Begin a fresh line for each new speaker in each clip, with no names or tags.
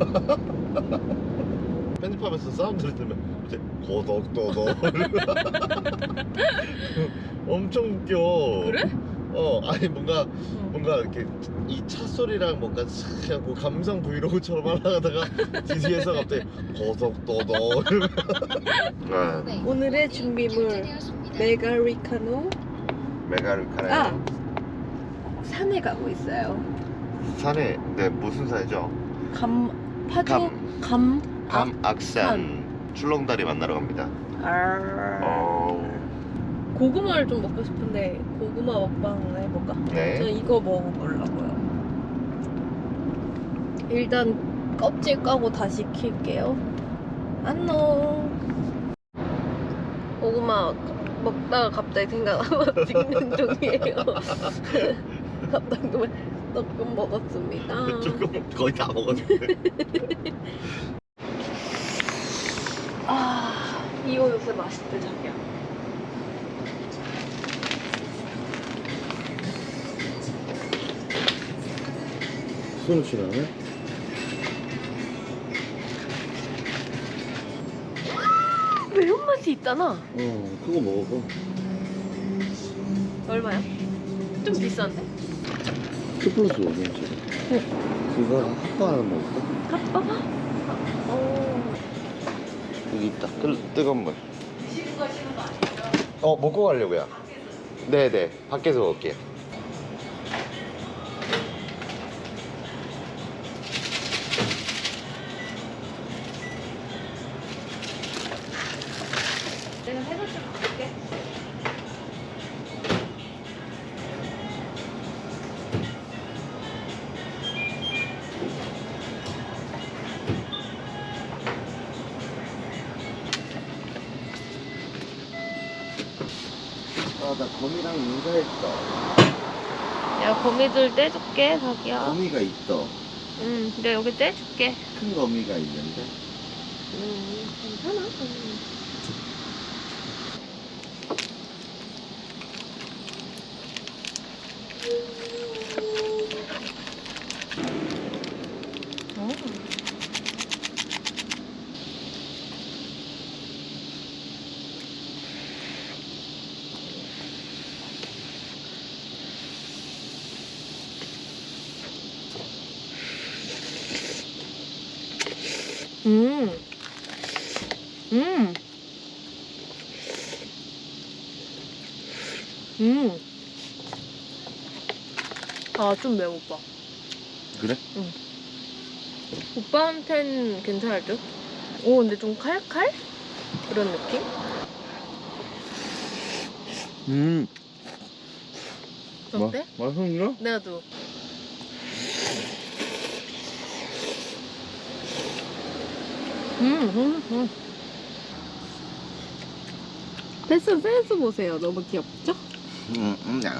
편집하면서 사운드를 들으면 이제 고독도독 엄청 웃겨.
그래?
아니 뭔가 이렇게 이 차 소리랑 뭔가 싹 하고 감성 브이로그처럼 하다가 뒤에서 갑자기 고독도독 이러면
네.
오늘의 준비물 메가리카노.
메가리카노.
산에 가고 있어요.
산에 네 무슨 산이죠?
파주 감
감악산 출렁다리 만나러 갑니다.
고구마를 좀 먹고 싶은데 고구마 먹방 해볼까?
네.
저 이거 먹어보려고요. 일단 껍질 까고 다시 킬게요. 안녕. 고구마 먹다가 갑자기 생각나서 찍는 중이에요. 갑자기 조금 먹었습니다.
조금 거의 다 먹었는데.
이거 요새 맛있대 자기야.
손을 치나네?
매운맛이 있잖아.
그거 먹어봐.
얼마야? 좀 비싼데?
2 플러스 5면 그거 핫바 하나 먹을까?
핫바가?
여기 있다. 뜨거운 물. 먹고 가려고요. 네네. 밖에서 먹을게요.
내가 해서 좀 볼게.
나 거미랑 인사했어.
야, 거미들 떼줄게, 자기야.
거미가 있어.
내가 여기 떼줄게.
큰 거미가 있는데.
괜찮아. 좀 매워, 오빠.
그래?
응. 오빠한텐 괜찮을 듯? 근데 좀 칼칼? 그런 느낌? 어때?
맛있나?
나도. 펜스 보세요. 너무 귀엽죠?
야.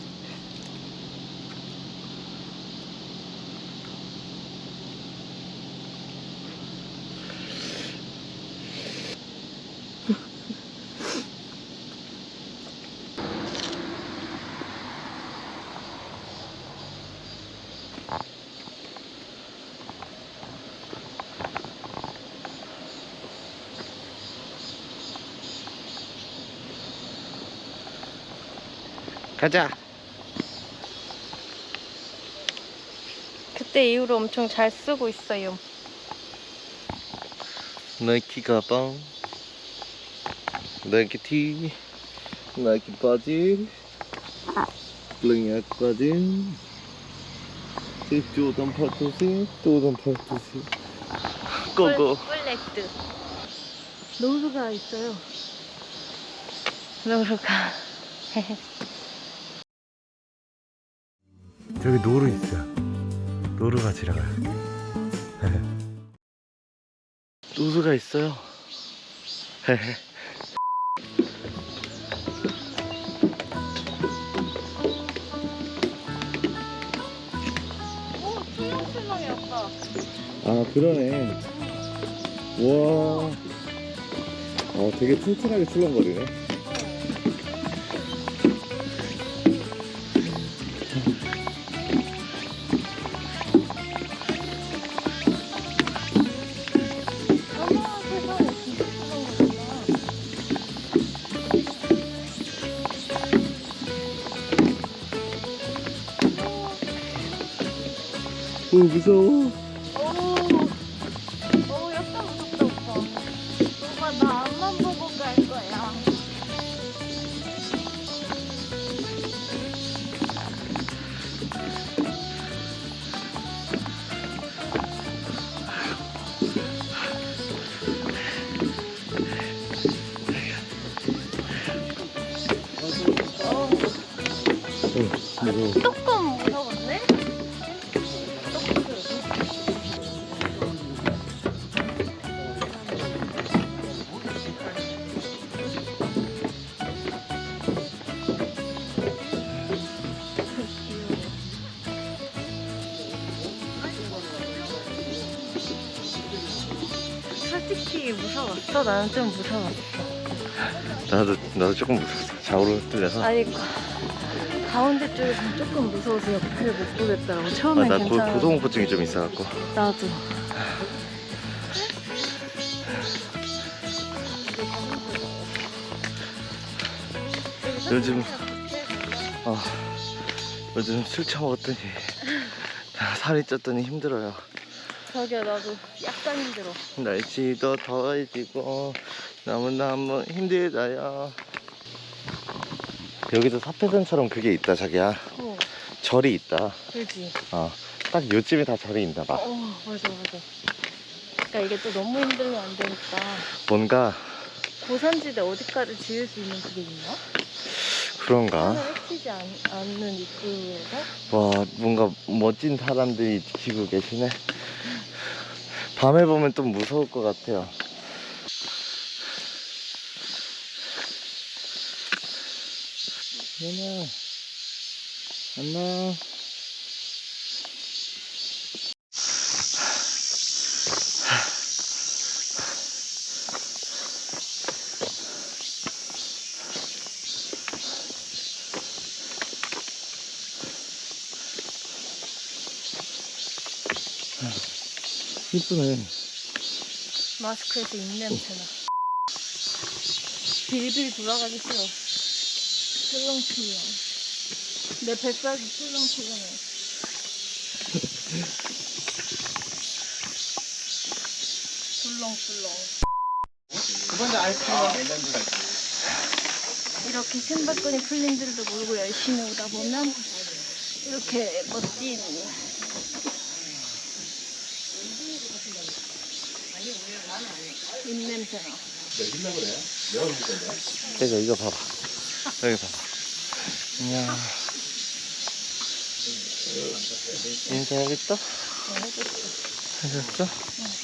가자.
그때 이후로 엄청 잘 쓰고 있어요.
나이키 가방, 나이키 티, 나이키 바지, 블랙야까지, 조던 팔토시, 고고.
플렉드. 노루가 있어요. 노루가.
저기 노루 있어. 노루가 지나가요. 노루가 있어요.
신랑이 아빠.
그러네. 와. 되게 튼튼하게 출렁거리네. 무서워.
약간 무섭다, 오빠. 오빠, 나 앞만 보고 갈 거야.
무서워.
조금 무서웠네? 솔직히 무서웠어? 나는 좀 무서웠어.
나도 조금 무서웠어. 좌우로 흔들려서.
아니, 가운데 쪽에서 조금 무서워서 옆을 못 보겠더라고. 처음엔
나
괜찮아.
고소공포증이 좀 있어갖고.
나도.
요즘 요즘 술 처먹었더니 살이 쪘더니 힘들어요.
자기야, 나도 약간 힘들어.
날씨도 더워지고 너무너무 힘들어요. 여기도 사패산처럼 그게 있다, 자기야. 절이 있다.
그지?
딱 요쯤에 다 절이 있나 봐.
맞아. 그러니까 이게 또 너무 힘들면 안 되니까.
뭔가
고산지대 어디까지 지을 수 있는 그게 있나?
그런가?
하늘 해치지 않는 입구에서?
와, 뭔가 멋진 사람들이 지키고 계시네. 밤에 보면 좀 무서울 것 같아요. 누나, 안녕. 이쁘네.
마스크에서 입냄새나. 빌빌 돌아가기 싫어. 출렁출렁. 내 뱃살이 출렁출렁해. 출렁출렁. 이렇게 신발끈이 풀린 줄도 모르고 열심히 오다 보면 이렇게 멋진 입냄새나.
내가 이거 봐봐. 여기 봐봐. 이야. 인사하겠다? 해줬어?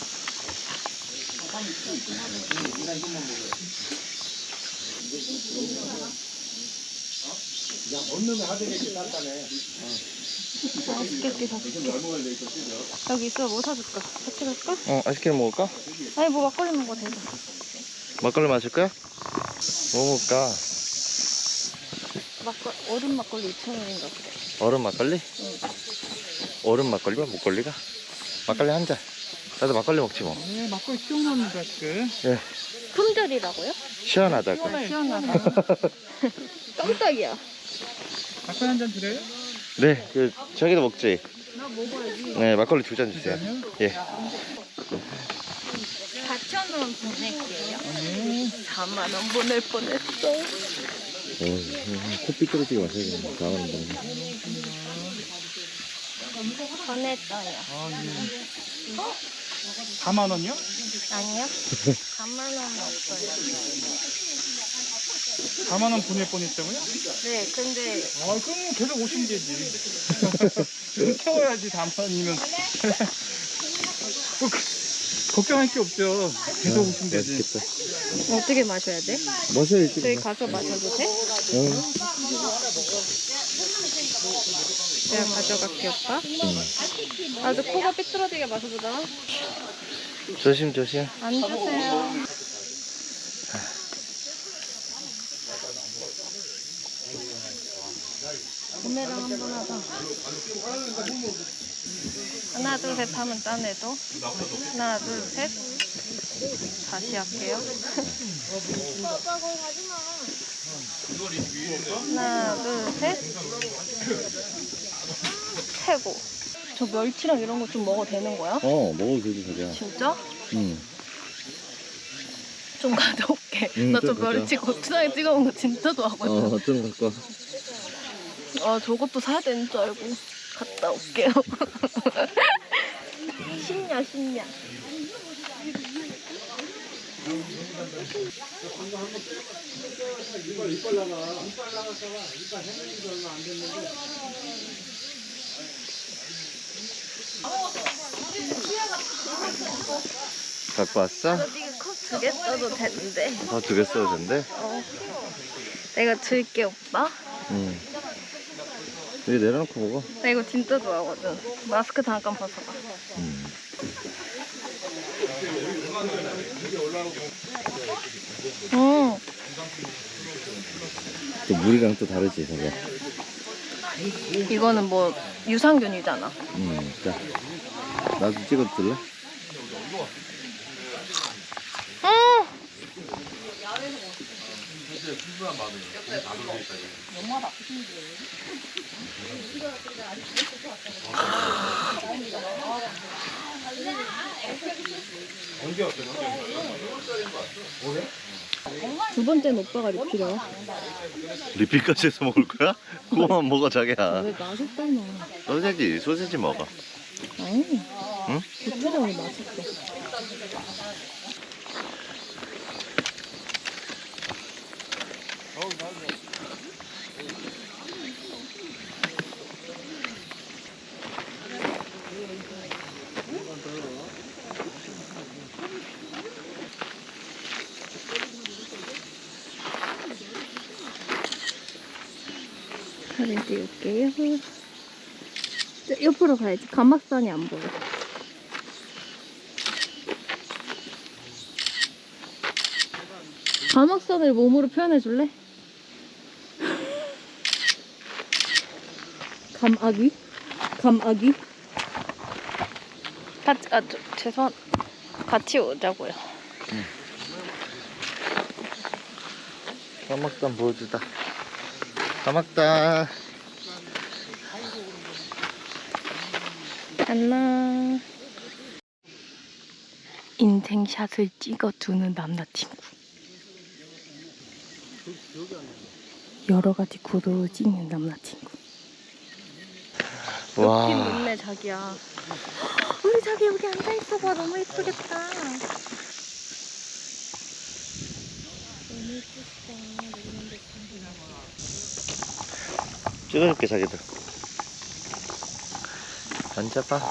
맛있게 사줄게. 여기 있어. 뭐 사줄까? 같이 갈까?
아이스크림 먹을까?
아니, 뭐 막걸리 먹어도 되죠.
막걸리 마실 거야? 뭐 먹을까?
얼음 막걸리 2,000원인가 그래.
얼음 막걸리?
응.
얼음 막걸리가 목걸리가? 막걸리 한 잔. 나도 막걸리 먹지 뭐.
네, 막걸리 시원합니다, 지금.
예,
품절이라고요?
시원하다고.
시원하다. 깜짝이야.
막걸리 한 잔 드려요?
네, 저기도 먹지.
나 먹어야지.
네, 막걸리 2잔 주세요. 예.
4,000원 보낼게요.
네.
4만 원 보낼 뻔했어.
코피 떨어지게 마셔야 되는데, 나가는
보냈어요.
아, 네. 4만 원이요?
아니요. 4만 원은 없어요.
4만 원 보낼 뻔했다고요?
네, 근데
아, 그럼 계속 오시면 되지. 태워야지, 4만 원이면. 걱정할 게 없죠. 계속 오시면 되지.
맛있겠다.
어떻게 마셔야 돼?
마셔야지.
저희 가서 마셔도 돼? 내가 가져갈게, 오빠. 나도 코가 삐뚤어지게 마셔보자.
조심, 조심.
앉으세요. 구매를 한번 하자. 하나, 둘, 셋 하면 따내도. 하나, 둘, 셋. 다시 할게요. 하나, 둘, 셋. 최고. 저 멸치랑 이런 거 좀 먹어도 되는 거야?
먹어도 되지 자기야.
진짜?
응.
좀 가져올게.
응,
나 저
좀 가져와.
멸치 고추장에 찍어 먹는 거 진짜 좋아하거든.
좀 갖고 와.
아, 저것도 사야 되는 줄 알고 갔다 올게요. 신냐, 신냐.
갖고 왔어?
네가 컵2개 써도 되는데.
더 2개 써도 된대?
내가 줄게, 오빠.
응. 여기 내려놓고 먹어.
나 이거 진짜 좋아하거든. 마스크 잠깐 벗어봐.
또 물이랑 또 다르지 저거.
이거는 뭐 유산균이잖아.
자, 나도 찍어줄래?
두 번째는 오빠가 리필이야.
리필까지 해서 먹을 거야? 그거만 먹어 자기야.
왜 맛있잖아.
소세지 먹어.
아니.
응?
고추장이 맛있어. 사진 찍을게요. 옆으로 가야지. 가막산이 안 보여. 가막산을 몸으로 표현해 줄래? 감아기? 감아기? 죄송. 같이 오자고요.
가막단 보여주다. 가막단.
안녕. 인생샷을 찍어주는 남자친구. 여러 가지 구도를 찍는 남자친구.
와.
높긴 높네 자기야. 우리 자기 여기 앉아 있어봐. 너무 예쁘겠다.
찍어줄게 자기들. 앉아봐.